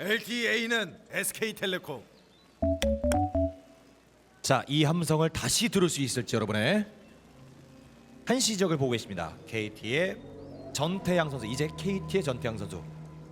LTA는 SK텔레콤. 자, 이 함성을 다시 들을 수 있을지 여러분의 한시적을 보고 계십니다. KT의 전태양 선수, 이제 KT의 전태양 선수.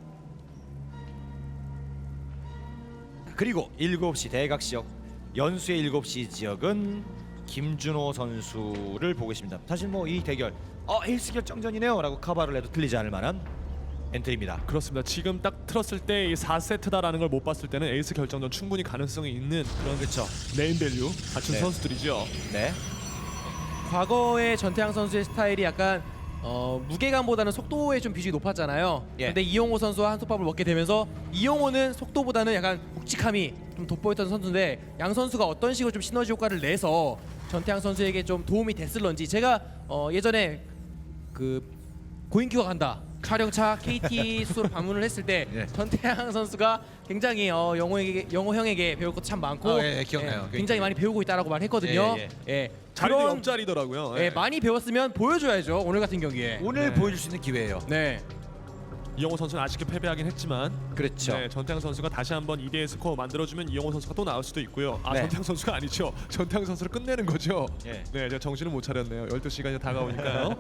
그리고 7시 대각지역, 연수의 7시 지역은 김준호 선수를 보고 계십니다. 사실 뭐 이 대결 에이스 결정전이네요 라고 커버를 해도 틀리지 않을 만한 엔트리입니다. 그렇습니다. 지금 딱 틀었을 때 이 4세트다라는 걸 못 봤을 때는 에이스 결정전 충분히 가능성이 있는 그런 그렇죠. 네임밸류 갖춘 네. 선수들이죠. 네. 과거의 전태양 선수의 스타일이 약간 무게감보다는 속도에 좀 비중이 높았잖아요. 예. 근데 이용호 선수와 한솥밥을 먹게 되면서 이용호는 속도보다는 약간 묵직함이 좀 돋보였던 선수인데 양 선수가 어떤 식으로 좀 시너지 효과를 내서 전태양 선수에게 좀 도움이 됐을런지 제가 예전에 그 고인규가 간다 촬영차 KT 수소로 방문을 했을 때 예. 전태양 선수가 굉장히 영호 형에게 배울 것도 참 많고 예, 기억나요. 굉장히 많이 배우고 있다라고 말했거든요. 예, 예. 자리도 그런- 옆자리더라고요. 예, 많이 배웠으면 보여줘야죠. 오늘 같은 경기에. 오늘 네. 보여줄 수 있는 기회예요. 네. 이영호 선수는 아쉽게 패배하긴 했지만 그렇죠. 네, 전태양 선수가 다시 한번 2대1 스코어 만들어주면 이영호 선수가 또 나올 수도 있고요. 네. 전태양 선수가 아니죠. 전태양 선수를 끝내는 거죠. 예. 네, 제가 정신을 못 차렸네요. 12시간이 다가오니까요.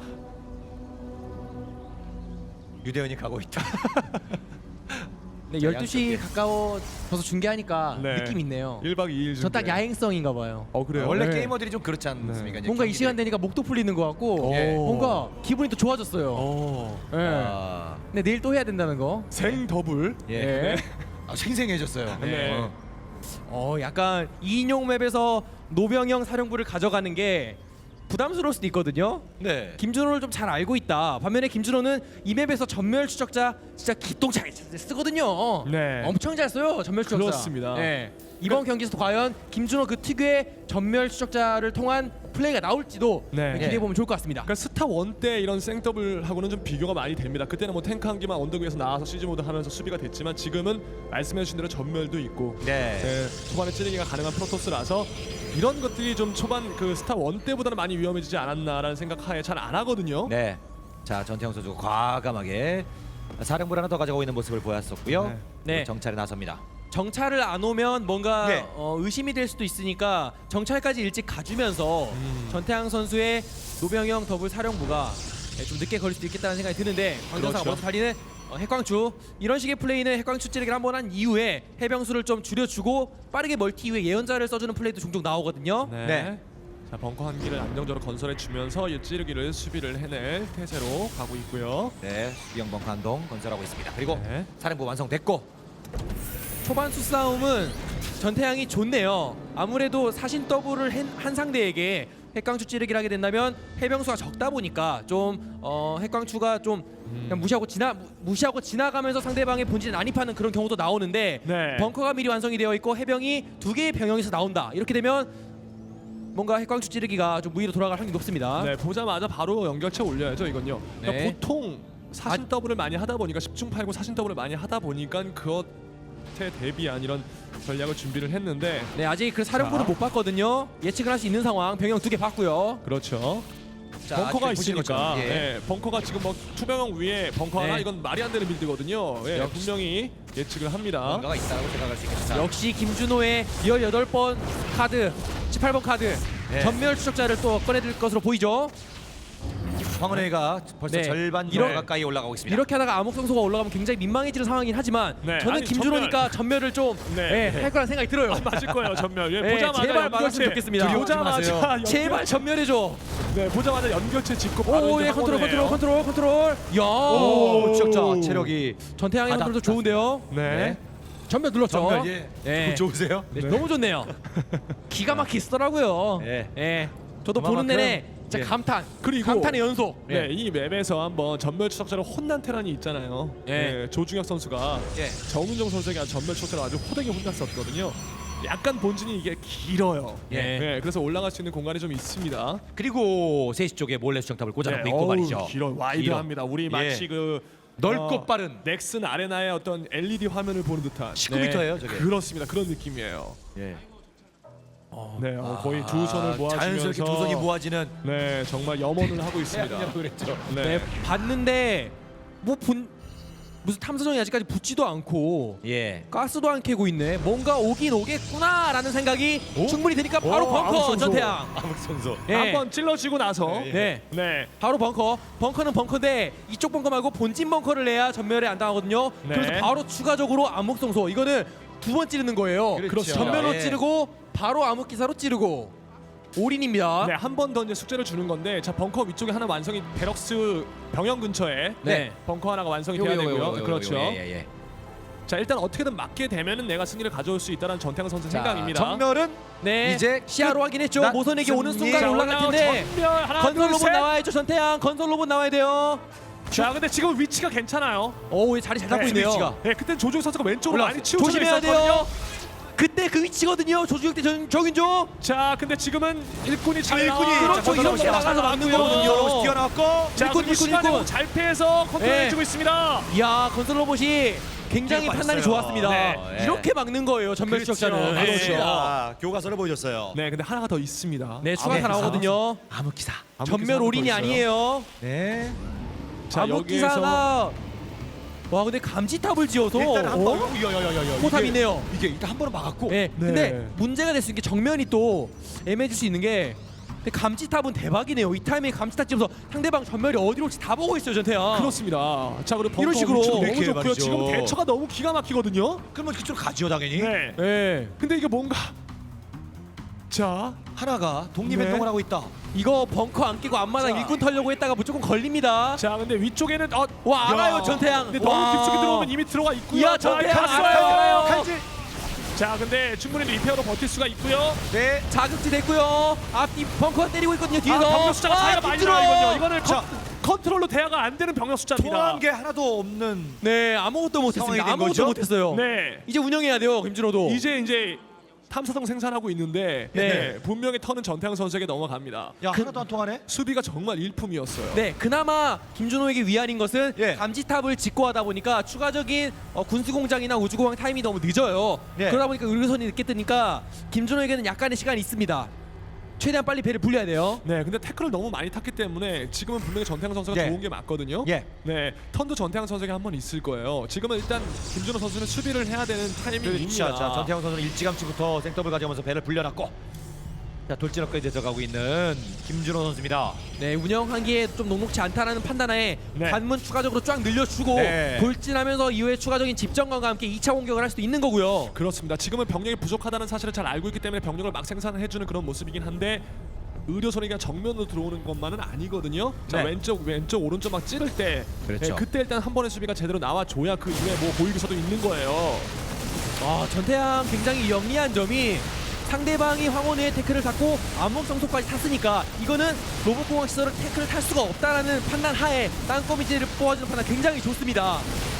유대현이 가고 있다. 네, 자, 12시 양쪽에. 가까워져서 중계하니까 네. 느낌 있네요. 1박 2일 저 딱 야행성인가 봐요. 그래요? 원래 네. 게이머들이 좀 그렇지 않습니까? 이제 뭔가 이 경기들이. 시간 되니까 목도 풀리는 것 같고 예. 뭔가 기분이 또 좋아졌어요. 예. 아, 근데 내일 또 해야 된다는 거. 생 더블. 예. 예. 생생해졌어요. 네. 약간 2인용 맵에서 노병영 사령부를 가져가는 게 부담스러울 수도 있거든요. 네. 김준호를 좀 잘 알고 있다. 반면에 김준호는 이 맵에서 전멸 추적자 진짜 기똥차게 쓰거든요. 네. 엄청 잘 써요 전멸 추적자. 그렇습니다. 네. 이번 경기에서 과연 김준호 그 특유의 전멸 추적자를 통한 플레이가 나올지도 네. 기대해 보면 좋을 것 같습니다. 그러니까 스타 1 때 이런 생더블하고는 좀 비교가 많이 됩니다. 그때는 뭐 탱크 한 기만 언덕 위에서 나와서 시즈 모드 하면서 수비가 됐지만 지금은 말씀해주신 대로 전멸도 있고 네. 네, 초반에 찌르기가 가능한 프로토스라서 이런 것들이 좀 초반 그 스타 1 때보다는 많이 위험해지지 않았나라는 생각하에 잘 안 하거든요. 네. 자, 전태영 선수가 과감하게 사령부를 하나 더 가져가고 있는 모습을 보였었고요. 네. 네. 정찰에 나섭니다. 정찰을 안 오면 뭔가 네. 의심이 될 수도 있으니까 정찰까지 일찍 가주면서 전태양 선수의 노병영 더블 사령부가 좀 늦게 걸릴 수도 있겠다는 생각이 드는데 광전사가 그렇죠. 먼저 달리는 핵광추 이런 식의 플레이는 핵광추 찌르기를 한번 한 이후에 해병수를 좀 줄여주고 빠르게 멀티 이후에 예언자를 써주는 플레이도 종종 나오거든요. 네. 네. 자, 벙커 한 기를 안정적으로 건설해 주면서 이 찌르기를 수비를 해낼 태세로 가고 있고요. 네. 수비형 벙커 한동 건설하고 있습니다. 그리고 네. 사령부 완성됐고. 초반 수싸움은 전태양이 좋네요. 아무래도 사신 더블을 한 상대에게 핵광추 찌르기를 하게 된다면 해병수가 적다 보니까 좀 핵광추가 좀 그냥 무시하고 지나가면서 상대방의 본진에 난입하는 그런 경우도 나오는데 네. 벙커가 미리 완성이 되어 있고 해병이 2개의 병영에서 나온다. 이렇게 되면 뭔가 핵광추 찌르기가 좀 무위로 돌아갈 확률이 높습니다. 네, 보자마자 바로 연결체 올려야죠, 이건요. 그러니까 네. 보통 사신 더블을 많이 하다 보니까 10중 8구 사신 더블을 많이 하다 보니까 그것에 대비한 이런 전략을 준비를 했는데 네, 아직 그 사령부를 자. 못 봤거든요. 예측을 할 수 있는 상황. 병영 2개 봤고요. 그렇죠. 자, 벙커가 아직도 보시는 있으니까 것처럼, 예. 네, 벙커가 지금 뭐 투명형 위에 벙커 하나 네. 이건 말이 안 되는 빌드거든요. 예, 역시. 분명히 예측을 합니다. 뭔가가 있다고 생각할 수 있겠다. 역시 김준호의 18번 카드, 18번 카드 네. 전멸 추적자를 또 꺼내들 것으로 보이죠. 황은혜가 벌써 네. 절반 이런- 가까이 올라가고 있습니다. 이렇게 하다가 암흑성소가 올라가면 굉장히 민망해지는 상황이긴 하지만 네, 저는 아니, 김준호니까 전멸을 좀 네. 할 거란 생각이 들어요. 맞을 거예요, 전멸. 예, 네, 보자마자 제발 막았으면 연결체. 좋겠습니다. 두려워하지 보자마자 마세요. 연결- 제발 전멸해줘. 네, 보자마자 연결체 짚고 바로 오, 이제 예, 컨트롤. 야, 오, 추적자 체력이 전태양의 바닥 컨트롤도 좋은데요. 네. 전멸 눌렀죠. 전멸 예. 네. 좋으세요? 네, 너무 좋네요. 기가 막히시더라고요. 네. 예. 저도 그만큼, 보는 내내 진짜 예. 감탄. 그리고- 감탄의 연속. 네, 이 맵에서 한번 전멸 추적자로 혼난 테란이 있잖아요. 예. 네, 조중혁 선수가 예. 정은정 선수에게 전멸 추적자로 아주 호되게 혼났었거든요. 약간 본진이 이게 길어요. 예. 네, 그래서 올라갈 수 있는 공간이 좀 있습니다. 그리고 3시 쪽에 몰래 수정탑을 꽂아놓고 있고 어우, 말이죠. 길어, 와이드합니다. 우리 마치 예. 그 넓고 빠른 넥슨 아레나의 어떤 LED 화면을 보는 듯한 19m예요, 저게. 그렇습니다. 그런 느낌이에요. 예. 네, 거의 두 손을 모아주면서 자연스럽게 두 손이 모아지는 네, 정말 염원을 하고 있습니다. 그랬죠. 네. 네, 봤는데 뭐 무슨 탐사정이 아직까지 붙지도 않고 예. 가스도 안 캐고 있네. 뭔가 오긴 오겠구나라는 생각이 충분히 드니까 바로 벙커 아무성소. 전태양. 아무성소. 예. 한번 찔러주고 나서 네. 네. 바로 벙커는 벙커인데 이쪽 벙커 말고 본진 벙커를 내야 전멸에 안 당하거든요. 네. 그래서 바로 추가적으로 암흑성소 이거는 두 번 찌르는 거예요. 그렇죠. 전멸로 예. 찌르고 바로 암흑기사로 찌르고 올인입니다. 네, 한 번 더 이제 숙제를 주는 건데 자 벙커 위쪽에 하나 완성이 베럭스 병영 근처에 네. 벙커 하나가 완성이 돼야 되고요. 그렇죠. 예. 자 일단 어떻게든 맞게 되면은 내가 승리를 가져올 수 있다는 전태양 선수 생각입니다. 정멸은 네. 이제 시야로 확인했죠. 끝. 모선에게 오는 승리. 순간 자, 올라갈 텐데 전멸 하나 건설 둘 로봇 셋. 나와야죠. 전태양 건설 로봇 나와야 돼요. 자 근데 지금 위치가 괜찮아요. 오, 자리 잘 잡고 있네요. 위치가. 네, 그때 조종 선수가 왼쪽으로 많이 치우쳐 조심해야 있었거든요. 돼요. 그때 그 위치거든요. 조주혁 대 정인종. 자 근데 지금은 일꾼이 잘 일꾼이 나와. 그렇죠. 자, 이런 거 나가서 막는 거거든요. 뛰어나왔고 자 일꾼, 그리고 시간을 일꾼. 잘 피해서 컨트롤해주고 있습니다. 이야, 건설 로봇이 굉장히 뒤로 판단이 빠졌어요. 좋았습니다. 네. 이렇게 막는 거예요. 전멸 추적자는. 네. 그렇죠. 교과서를 보여줬어요. 네 근데 하나가 더 있습니다. 네, 추가타 나오거든요. 암흑기사. 전멸 올인이 아니에요. 네. 자 여기에서 암흑기사가 와, 근데 감지탑을 지어서 일단 한 번. 포탑이네요. 이게 일단 한 번은 막았고. 네. 네. 근데 문제가 될 수 있는 게 정면이 또 애매해질 수 있는 게 근데 감지탑은 대박이네요. 이 타이밍에 감지탑 찍으면서 상대방 전멸이 어디로 올지 다 보고 있어요, 전태양. 그렇습니다. 자 그리고 벙커 이런 식으로 위치도 너무 이렇게 좋고요. 말이죠. 지금 대처가 너무 기가 막히거든요. 그러면 그쪽으로 가지요 당연히. 네. 네. 근데 이게 뭔가 자 하나가 독립행동을 네. 하고 있다. 이거 벙커 안 끼고 앞마당 자. 일꾼 털려고 했다가 무조건 걸립니다. 자 근데 위쪽에는 와, 알아요, 야. 전태양. 근데 너무 와. 깊숙이 들어오면 이미 들어가 있고요. 이야, 자, 전태양 갔어요. 알아요. 칼질. 자 근데 충분히 리페어로 버틸 수가 있고요. 네. 자극지 됐고요. 앞뒤 벙커 때리고 있거든요. 뒤에서. 병력 숫자가 차이가 많이 나요. 이거는 자. 컨트롤로 대화가 안 되는 병력 숫자입니다. 통한 게 하나도 없는. 네, 아무것도 못했습니다. 상황이 된 아무것도 거죠? 못했어요. 네. 이제 운영해야 돼요, 김준호도. 이제 탐사성 생산하고 있는데 네. 네. 분명히 턴은 전태양 선수에게 넘어갑니다. 야 하나도 안 통하네. 수비가 정말 일품이었어요. 네, 그나마 김준호에게 위안인 것은 예. 감지탑을 짓고 하다 보니까 추가적인 군수공장이나 우주공항 타임이 너무 늦어요. 네. 그러다 보니까 의료선이 늦게 뜨니까 김준호에게는 약간의 시간이 있습니다. 최대한 빨리 배를 불려야 돼요. 네, 근데 태클을 너무 많이 탔기 때문에 지금은 분명히 전태양 선수가 예. 좋은 게 맞거든요. 예. 네, 턴도 전태양 선수에게 한 번 있을 거예요. 지금은 일단 김준호 선수는 수비를 해야 되는 타이밍입니다. 그렇죠. 자 전태양 선수는 일찌감치부터 생더블 가져가면서 배를 불려놨고. 자 돌진업까지 들어가고 있는 김준호 선수입니다. 네, 운영하기에 좀 녹록지 않다라는 판단하에 네. 관문 추가적으로 쫙 늘려주고 네. 돌진하면서 이후에 추가적인 집정관과 함께 2차 공격을 할 수도 있는 거고요. 그렇습니다. 지금은 병력이 부족하다는 사실을 잘 알고 있기 때문에 병력을 막 생산해주는 그런 모습이긴 한데 의료선이 그냥 정면으로 들어오는 것만은 아니거든요. 자 네. 왼쪽 오른쪽 막 찌를 때 그렇죠. 네, 그때 일단 한 번의 수비가 제대로 나와줘야 그 이후에 뭐 보이기서도 있는 거예요. 전태양 굉장히 영리한 점이 상대방이 황혼의 태클을 탔고 암흑성소까지 탔으니까 이거는 로봇공학 시설을 태클을 탈 수가 없다라는 판단 하에 땅거미지를 뽑아주는 판단 굉장히 좋습니다.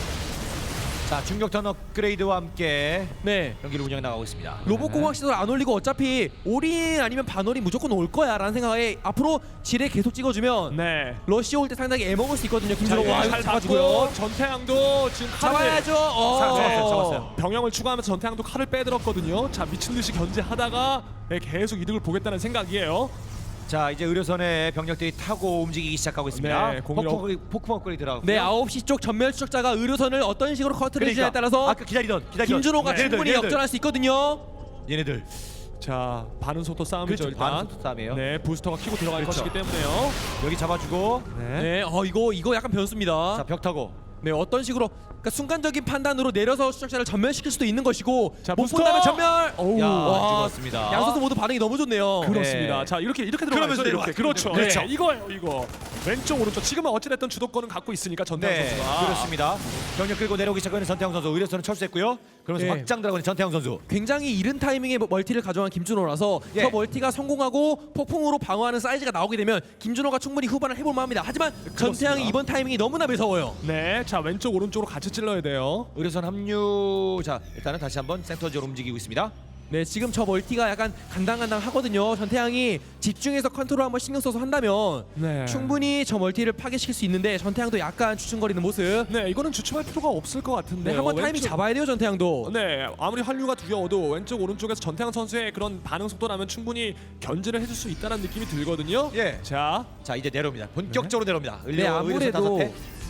자 중격턴 업그레이드와 함께 네, 경기를 운영 나가고 있습니다. 로봇공학 시설 안 올리고 어차피 올인 아니면 반올인 무조건 올 거야 라는 생각에 앞으로 지뢰 계속 찍어주면 네. 러시 올 때 상당히 애먹을 수 있거든요. 김준호 자, 와 이거 잘 잡아주고요. 봤고요. 전태양도 지금 칼을 잡아야죠. 잡았어요. 병영을 추가하면서 전태양도 칼을 빼들었거든요. 자 미친 듯이 견제하다가 네, 계속 이득을 보겠다는 생각이에요. 자 이제 의료선에 병력들이 타고 움직이기 시작하고 있습니다. 네, 공격. 폭풍 업그레이드 들어가고. 네, 9시 쪽 전멸 추적자가 의료선을 어떤 식으로 커트를 해주냐에 따라서 아까 기다리던 김준호가 네. 충분히 얘네들, 역전할 수 있거든요. 얘네들. 자 반응 속도 싸움이죠. 그렇죠. 일단. 반응 속도 싸움이에요. 네 부스터가 키고 들어갈 그렇죠. 것이기 때문에요. 여기 잡아주고. 네. 네, 이거 약간 변수입니다. 자 벽 타고. 네, 어떤 식으로 그러니까 순간적인 판단으로 내려서 추적자를 전멸시킬 수도 있는 것이고 자, 못 부스터! 본다면 전멸. 어우. 야 와, 죽었습니다. 양 선수 모두 반응이 너무 좋네요. 그렇습니다. 네. 자 이렇게 들어가죠. 그러면서 이렇게. 내려와. 그렇죠. 그렇죠. 네, 이거예요. 이거 왼쪽 오른쪽 지금은 어찌됐든 주도권은 갖고 있으니까 전태양 네 선수가. 그렇습니다. 병력 끌고 내려오기 시작하는 전태양 선수 의료선을 철수했고요. 그러면서 네. 확장 들어가는 전태양 선수. 굉장히 이른 타이밍에 멀티를 가져간 김준호라서 예. 저 멀티가 성공하고 폭풍으로 방어하는 사이즈가 나오게 되면 김준호가 충분히 후반을 해볼 만합니다. 하지만 전태양이 이번 타이밍이 너무나 매서워요. 네, 자 왼쪽 오른쪽으로 같이 찔러야 돼요. 의료선 합류. 자 일단은 다시 한번 센터 지역으로 움직이고 있습니다. 네, 지금 저 멀티가 약간 간당간당 하거든요. 전태양이 집중해서 컨트롤 한번 신경 써서 한다면 네. 충분히 저 멀티를 파괴시킬 수 있는데 전태양도 약간 주춤거리는 모습. 네, 이거는 주춤할 필요가 없을 것 같은데. 네, 한번 타이밍 잡아야 돼요, 전태양도. 네, 아무리 한류가 두려워도 왼쪽 오른쪽에서 전태양 선수의 그런 반응 속도라면 충분히 견제를 해줄 수 있다는 느낌이 들거든요. 예. 자, 자 이제 내려옵니다. 본격적으로 내려옵니다. 네, 아무래도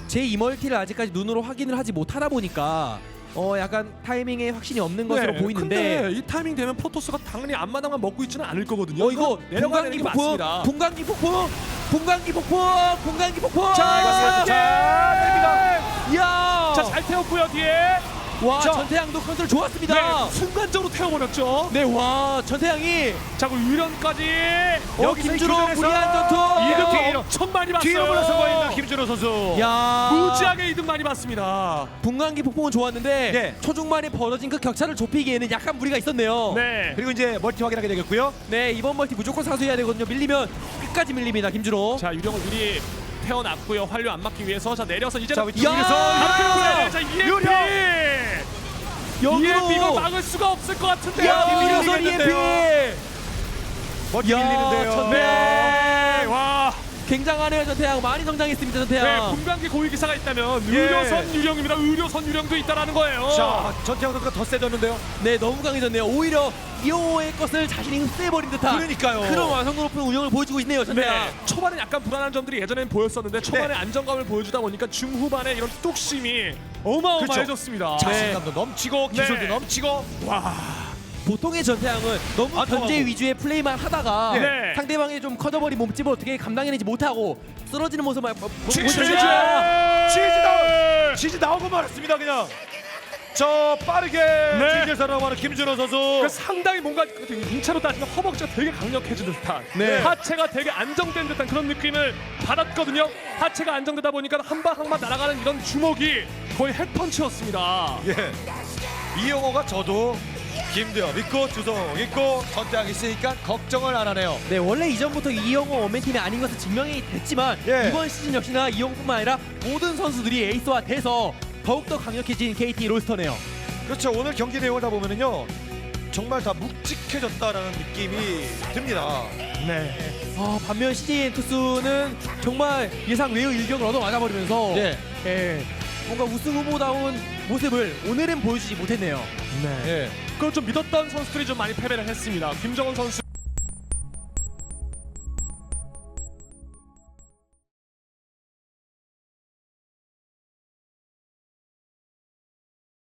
제 이멀티를 아직까지 눈으로 확인을 하지 못하다 보니까 약간 타이밍에 확신이 없는 것으로 보이는데 근데 이 타이밍 되면 프로토스가 당연히 앞마당만 먹고 있지는 않을 거거든요. 이거 내려가는 게 맞습니다. 분광기 폭풍 분광기 폭풍 자, 이거 살짝 됩니다. 이야 자, 잘 태웠고요 뒤에. 와 자. 전태양도 컨트롤 좋았습니다. 네, 순간적으로 태워버렸죠. 네 와 전태양이 자, 그리고 유련까지. 김준호 무리한 전투 이득 엄청 많이 봤어요. 뒤로 물러서고 있는 김준호 선수. 야 무지하게 이득 많이 봤습니다. 분광기 폭풍은 좋았는데 네. 초중반에 벌어진 그 격차를 좁히기에는 약간 무리가 있었네요. 네. 그리고 이제 멀티 확인하게 되겠고요. 네 이번 멀티 무조건 사수해야 되거든요. 밀리면 끝까지 밀립니다 김준호. 자, 유령을 미리 태워놨고요. 활류 안 막기 위해서. 자, 내려서 이제 자, 위쪽에서 자, EMP. EMP 이거 막을 수가 없을 것 같은데요. 야 밀려서 밀려서 밀리는데요. EMP 멀티 야, 밀리는데요. 전태- 네. 와. 굉장하네요 전태양. 많이 성장했습니다 네, 전태양. 분광기 고위 기사가 있다면 예. 의료선 유령입니다. 의료선 유령도 있다라는 거예요. 자, 전태양 선수가 더 세졌는데요. 네 너무 강해졌네요. 오히려 이호의 것을 자신이 흡수해버린 듯한 그러니까요. 그런 완성도 높은 운영을 보여주고 있네요 전태양. 네, 초반에 약간 불안한 점들이 예전엔 보였었는데 초반에 안정감을 보여주다 보니까 중후반에 이런 뚝심이 어마어마해졌습니다. 자신감도 넘치고 기술도 네. 넘치고. 보통의 전태양은 너무 안 통하고. 견제 위주의 플레이만 하다가 네. 상대방이 좀 커져버린 몸집을 어떻게 감당해내지 못하고 쓰러지는 모습을 치즈! 보여주죠. 치즈 나오고 말았습니다 그냥. 저 빠르게 치즈에서라고 하는 김준호 선수. 그러니까 상당히 뭔가 인체로 따지면 허벅지가 되게 강력해진 듯한 네. 하체가 되게 안정된 듯한 그런 느낌을 받았거든요. 하체가 안정되다 보니까 한 방 한 방 날아가는 이런 주먹이 거의 핵펀치였습니다. 예. 이영호가 저도 김대엽 있고 주성 있고 전태양 있으니까 걱정을 안 하네요. 네 원래 이전부터 이영호 원맨팀이 아닌 것은 증명이 됐지만 예. 이번 시즌 역시나 이영호뿐만 아니라 모든 선수들이 에이스화 돼서 더욱더 강력해진 KT 롤스터네요. 그렇죠. 오늘 경기 내용을 다 보면은요 정말 다 묵직해졌다라는 느낌이 듭니다. 네. 반면 CJ 투수는 정말 예상 외의 일격을 얻어 맞아버리면서 네. 뭔가 우승 후보다운 모습을 오늘은 보여주지 못했네요. 네. 예. 그걸 좀 믿었던 선수들이 좀 많이 패배를 했습니다. 김정은 선수